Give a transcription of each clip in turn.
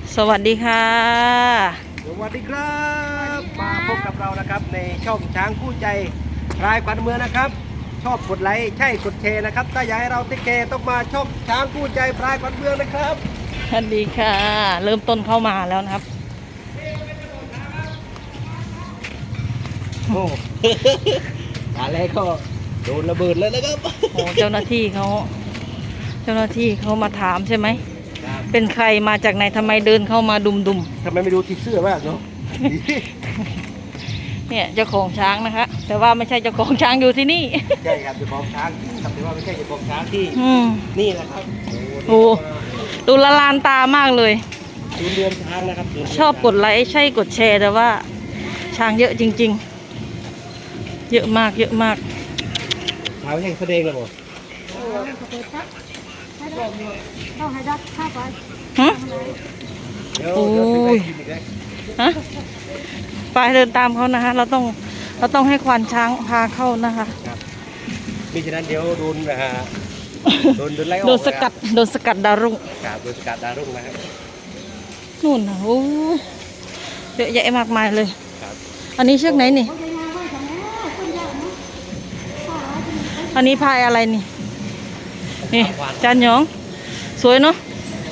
สวัสดีค่ะสวัสดีครับมาพบกับเรานะครับในช่องช้างคู่ใจพลายขวัญเมืองนะครับชอบกดไลค์ใช่กดแชร์นะครับถ้าอยากให้เราติ๊กแกต้องมาช่องช้างคู่ใจพลายขวัญเมืองนะครับสวัสดีค่ะ เริ่มต้นเข้ามาแล้วนะครับโอ้ อะไรก็โดนระเบิดเลยนะครับโอ้เจ้าหน้าที่เขามาถามใช่ไหมเป็นใครมาจากไหนทำไมเดินเข้ามาดุมทำไมไม่ดูที่เสื้อบ้างเนาะเนี่ยเจ้าของช้างนะคะแต่ว่าไม่ใช่เจ้าของช้างอยู่ที่นี่ใช่ครับเจ้าของช้างครับแต่ว่าไม่ใช่เจ้าของช้างที่นี่นะครับโอ้ดูละลานตามากเลยศูนย์รวมช้างนะครับชอบกดไลค์ใช่กดแชร์แต่ว่าช้างเยอะจริงๆเยอะมากเยอะมากช้างแห่งแสดงเลยหมดฮะโอ้ยฮะไปเดินตามเขานะคะเราต้องให้ควานช้างพาเข้านะคะมิฉะนั้นเดี๋ยวโดนไล่ออกโดนสกัดดาวรุ่งครับโดนสกัดดาวรุ่งนะครับนู่นนะโอ้เยอะแยะมากมายเลยอันนี้เชือกไหนนี่อันนี้พายอะไรนี่นี่จานหยองสวยเนาะ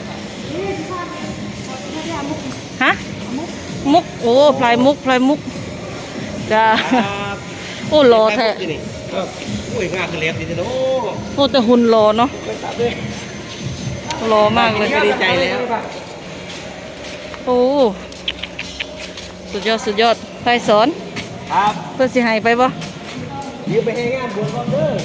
ฮะมุกโอ้พลายมุกจ้าโอ้รอแท้โอ้ยงาคือเล็บดีจังโอ้แต่หุ่นรอเนาะรอมากเลยดีใจแล้วโอ้สุดยอดใครสอนครับเพื่อสิหายไปบ่ยืมไปให้งานบวชก่อนเด้อ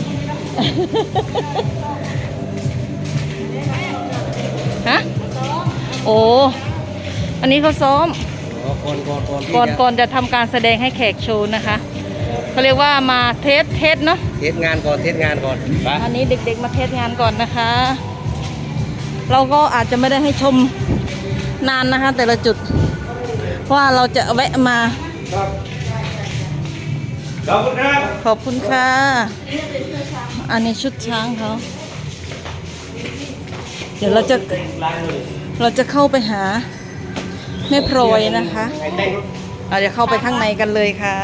ฮะโอ้อันนี้เขาซ้อมก่อนจะทำการแสดงให้แขกโชว์นะคะเขาเรียกว่ามาเทสเนาะเทสงานก่อนอันนี้เด็กๆมาเทสงานก่อนนะคะเราก็อาจจะไม่ได้ให้ชมนานนะคะแต่ละจุดเพราะว่าเราจะแวะมาขอบคุณครับขอบคุณค่ะอันนี้ชุดช้างเขาเดี๋ยวเราจะเข้าไปหาแม่พลอยนะคะเราจะเข้าไปข้างในกันเลยค่ะ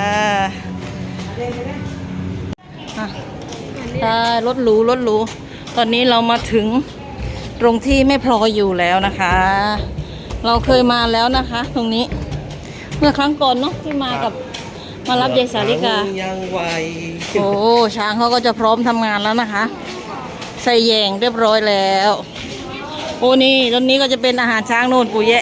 รถหรูตอนนี้เรามาถึงตรงที่แม่พลอยอยู่แล้วนะคะเราเคยมาแล้วนะคะตรงนี้เมื่อครั้งก่อนเนาะที่มารับยายสาลิกาโอ้ช้างเขาก็จะพร้อมทำงานแล้วนะคะใส่แยงเรียบร้อยแล้วโอ้นี่ตอนนี้ก็จะเป็นอาหารช้างโน่นปู่แยะ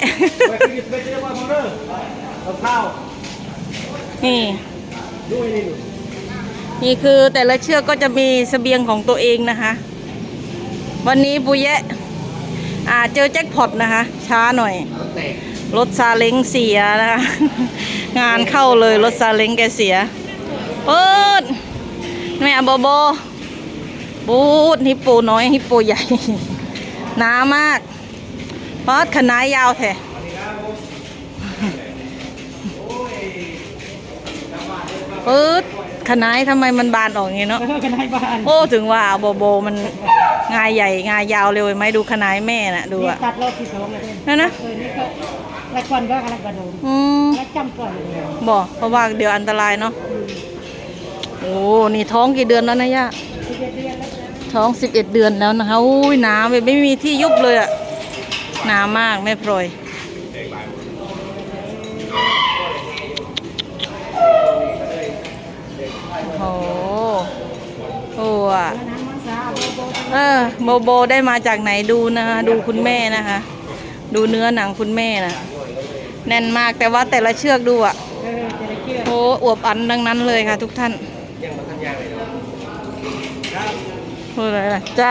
นี่คือแต่ละเชือกก็จะมีเสบียงของตัวเองนะคะวันนี้ปู่แยะเจอแจ็คพอตนะคะช้าหน่อยรถซาเล้งเสียนะคะงานเข้าเลยรถซาเล้งแกเสียเปิดแม่บอบบูดฮิปโปน้อยฮิปโปใหญ่หนามากปอดขนายยาวแท้เปิดขนายทำไมมันบานออกอย่างนี้เนาะโอ้ถึงว่าโบมันงายใหญ่งายยาวเร็วไหมดูขนายแม่น่ะดูอะตัดรอบที่สองเลยนั่นนะละครก็กำลังกระโดดแล้วจำก่อนบอกเพราะว่าเดี๋ยวอันตรายเนาะโอ้นี่ท้องกี่เดือนแล้วนะย่าท้อง11 เดือนแล้วนะคะอุ้ยหนาไม่มีที่ยุบเลยอะหนามากแม่พลอยโอ้โหอะโบได้มาจากไหนดูนะคะดูคุณแม่นะคะดูเนื้อหนังคุณแม่นะแน่นมากแต่ว่าแต่ละเชือกดูอ่ะโอ้อวบอันดังนั้นเลยค่ะทุกท่านพูดอะไรล่ะจ้า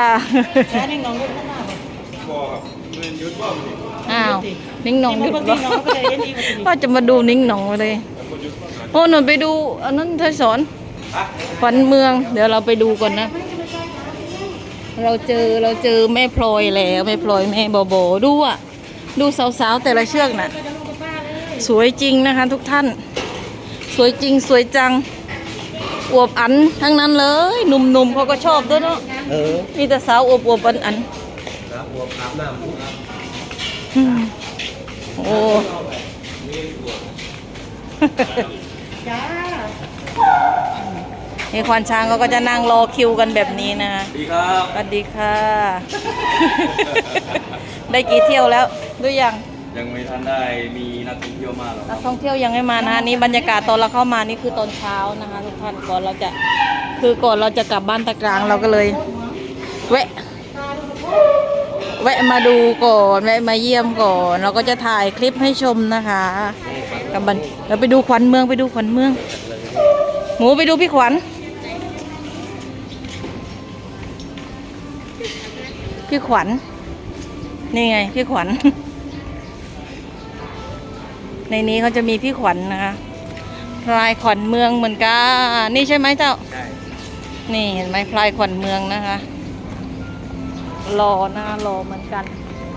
อ้าวนิ่งหนองหยุดว่าจะมาดูนิ่งหนองเลยโอ้หนูไปดูอันนั้นเธอสอนขวัญเมืองเดี๋ยวเราไปดูก่อนนะเราเจอแม่พลอยแล้วแม่พลอยแม่โบดูอ่ะดูสาวๆแต่ละเชือกน่ะสวยจริงนะคะทุกท่านสวยจริงสวยจังอวบอันทั้งนั้นเลยหนุ่มๆเขาก็ชอบด้วยเนาะมีแต่สาวอวบอันอวบอาบน้ำโอ้จ้านี่ควานช้างเขาก็จะนั่งรอคิวกันแบบนี้นะคะดีครับสวัสดีค่ะ ได้กี่เที่ยวแล้วดูยังยังไม่ทันได้มีนักท่องเที่ยวมาหรอกคนัรักบท่องเที่ยวยังไม่มานะคะนี่บรรยากาศตอนเราเข้ามานี่คือตอนเช้านะคะทุกท่านก่อนเราจะกลับบ้านตะกลางเราก็เลย แวะมาดูก่อนแวะมาเยี่ยมก่อนเราก็จะถ่ายคลิปให้ชมนะคะกับบันเราไปดูขวัญเมืองไปดูขวัญเมือง หมูไปดูพี่ขวัญพี่ขวัญนี่ไงพี่ขวัญ ในนี้เขาจะมีพี่ขวัญนะคะพลายขวัญเมืองเหมือนกันนี่ใช่ไหมเจ้าใช่นี่เห็นไหมพลายขวัญเมืองนะคะรอหน้ารอเหมือนกัน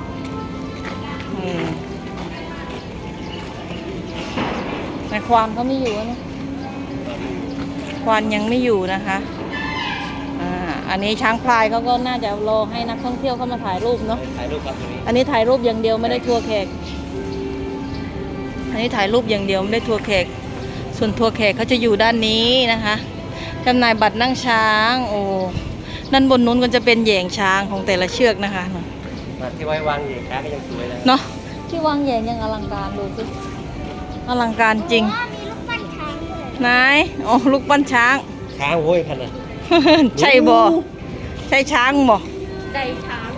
ในควานเขาไม่อยู่นะควานยังไม่อยู่นะคะอันนี้ช้างพลายเขาก็น่าจะรอให้นักท่องเที่ยวเข้ามาถ่ายรูปเนาะถ่ายรูปครับตรงนี้อันนี้ถ่ายรูปอย่างเดียวไม่ได้ทัวร์แขก อันนี้ถ่ายรูปอย่างเดียวไม่ได้ทัวร์แขก ส่วนทัวร์แขกเขาจะอยู่ด้านนี้นะคะจำหน่ายบัตรนั่งช้าง โอ้ด้านบนนู้นก็จะเป็นแหย่งช้างของแต่ละเชือกนะคะมาที่ไว้วางเหยียช้างก็ยังสวยเลยเนาะที่วางแหย่งยังอลังการดูสิอลังการจริงไหนโอ้ลูกปั้นช้างช้างโว้ยพันน่ะใช่บ่ใช่ช้างบ่ไก่ช้าง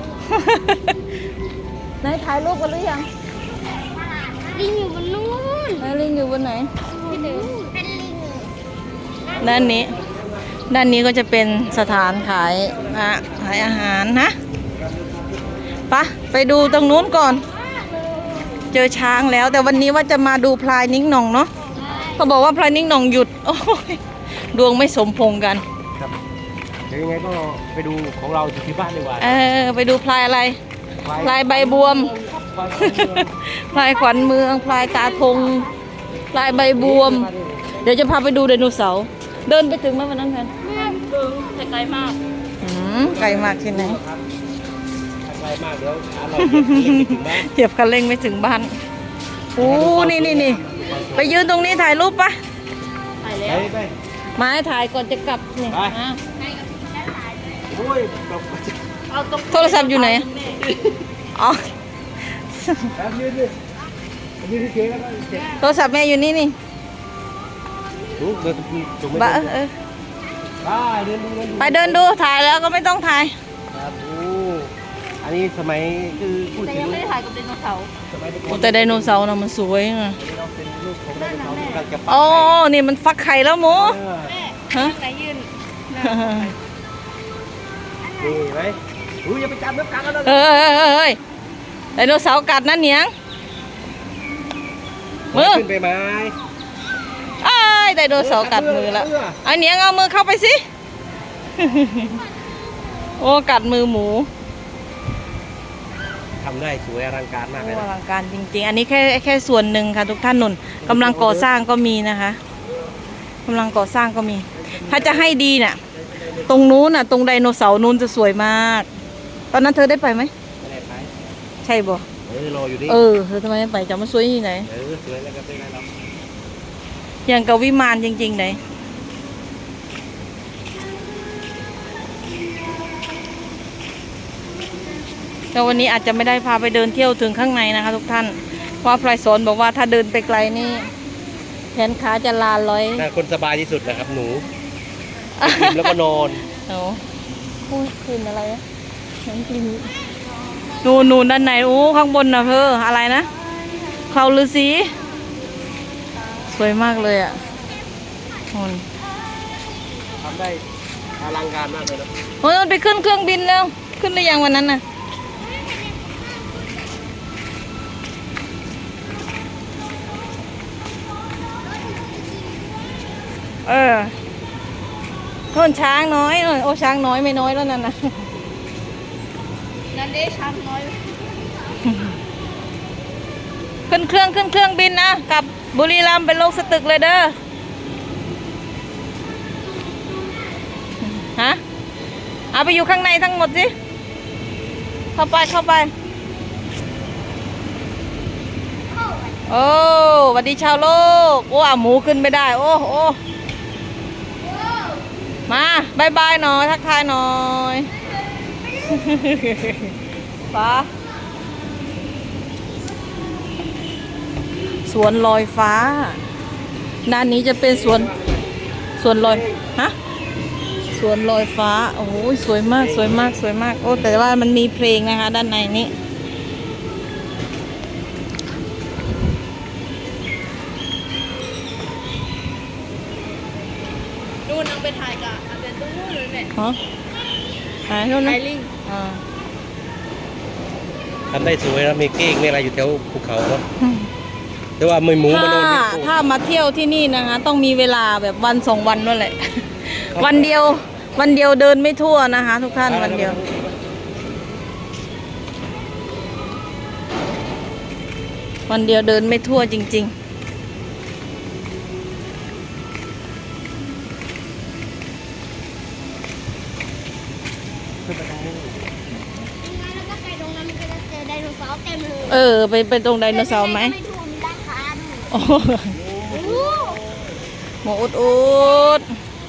ไหนถ่ายรูปกันหรือยังลิงอยู่บนนู้นไหนลิงอยู่บนไหนพี่เดินเป็นลิงด้านนี้ก็จะเป็นสถานขายอาหารนะไปดูตรงนู้นก่อน เจอช้างแล้วแต่วันนี้ว่าจะมาดูพลายนิ้งหน่องเนาะเขาบอกว่าพลายนิ้งหน่องหยุดโอ้ยดวงไม่สมพงษ์กันครับเดี๋ยวยังไงก็ไปดูของเราอยู่ที่บ้านดีกว่าไปดูพลายอะไรพลายใบบวม พลายขวัญเมืองพลายตาทงพลายใบบวม เดี๋ยวจะพาไปดูไดโนเสาร์เดินไปถึงไหมวันนั้นแพนแต่ไกลมากไกลมากที่ไหนไกลมากเดี๋ยวเราเล่นไปถึงบ้านเหยียบคันเร่งไม่ถึงบ้านโอ้นี่ไปยืนตรงนี้ถ่ายรูปปะไปไปแล้วไปมาให้ถ่ายก่อนจะกลับนี่ไปอ่ะโอ้ยตกเอาตรงโทรศัพท์อยู่ไหนอ๋อแป๊บยืนดิยืนที่เก๋แล้วก็เจ็บโทรศัพท์แม่อยู่นี่นี่ดูเดินจุ่มไม่บ้าได้เดินดูไปเดินดูถ่ายแล้วก็ไม่ต้องถ่ายครับโอ้อันนี้สมัยคือพูดแต่ถึยัง งไม่ได้ถ่ายกับไดโนเสาร์สมัยเด็กโอ้แต่ไดโนเสาร์น่ะมันสวยอ่ะเราเป็นลูกของไดโนเสาร์ที่กำลังจะปักโอ้นี่มันฟักไข่แล้วหมูเออฮะไหนยืนนี่ไหมอย่าไปจับน้ำกัดกันนะเฮ้ยไดโนเสาร์กัดนั่นเหนียงมือขึ้นไปไหมอ้ายไดโนเสาร์กัดมือแล้วไอ้เหนียงเอามือเข้าไปสิ โอ้กัดมือหมูทำได้สวยอลังการมากเลยอนะลังการจริงๆ อันนี้แค่ส่วนหนึ่งค่ะทุกท่านนุ่นกำลังก่อสร้างก็มีนะคะกำลังก่อสร้างก็มี ถ้าจะให้ดีน่ะ ตรงนู้นน่ะ ตรงไดโนเสาร์นู้นจะสวยมาก ตอนนั้นเธอได้ไปไหมไม่ได้ไปใช่บ่รออยู่นี่เธอทำไมไม่ไปจะมาสวยที่ไหนสวยแล้วก็เป็นไงเราอย่างกับวิมานจริงๆไหนแต่วันนี้อาจจะไม่ได้พาไปเดินเที่ยวถึงข้างในนะคะ ทุกท่านเพราะพลายสอนบอกว่าถ้าเดินไปไกลนี่แขนขาจะลาลอยน่าคนสบายที่สุดนะครับหนูกินแล้วก็นอนโอ้พูดกลิ่นอะไรอะน้ำกลิ่นนูนด้านไหนโอ้ข้างบนนะเธออะไรนะเขาฤาษีสวยมากเลยอ่ะนู่นทำได้อลังการมากเลยนะโอ้ยมันไปขึ้นเครื่องบินแล้ว ขึ้นได้ยังวันนั้นน่ะโน่นช้างน้อยโอ้ช้างน้อยไม่น้อยแล้วนั่นนะนั่นเด้ช้างน้อยขึ้นเครื่องบินนะกลับบุรีรัมย์เป็นโลกสตึกเลยเด้อฮะเอาไปอยู่ข้างในทั้งหมดสิเข้าไปพ่อโอ้สวัสดีชาวโลกโอ้อ่ะหมูขึ้นไม่ได้โอ้โอ้มาบายบายหน่อยทักทายหน่อยฟ้าสวนลอยฟ้าด้านนี้จะเป็นสวนลอยฮะสวนลอยฟ้าโอ้โหสวยมากสวยมากสวยมากโอ้แต่ว่ามันมีเพลงนะคะด้านในนี้ดูนางไปถ่ายกับอันเดนตู้เลยเนี่ยฮะถ่ายนู่นนะลิงทำได้สวยแล้วมีเก้งมีอะไรอยู่แถวภูเขาเนาะแต่ว่าไม่หมูมาโดนถ้ามาเที่ยวที่นี่นะคะต้องมีเวลาแบบวัน2 วันนั่นแหละ วันเดียวเดินไม่ทั่วนะคะ ทุกท่านวันเดียวเดินไม่ทั่วจริงไปตรงไดโนเสาร์ไหมโอ้หมูอุด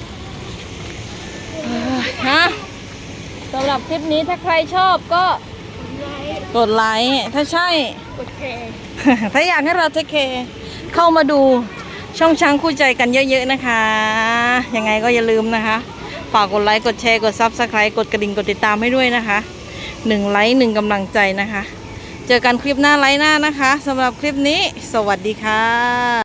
ฮะสำหรับคลิปนี้ถ้าใครชอบก็กดไลค์ถ้าใช่กดแชร์ถ้าอยากให้เราเทคแคร์เข้ามาดูช่องช้างคู่ใจกันเยอะๆนะคะยังไงก็อย่าลืมนะคะฝากกดไลค์กดแชร์กดซับสไครต์กดกระดิ่งกดติดตามให้ด้วยนะคะ1 ไลค์1 กำลังใจนะคะเจอกันคลิปหน้าไลค์หน้านะคะสำหรับคลิปนี้สวัสดีค่ะ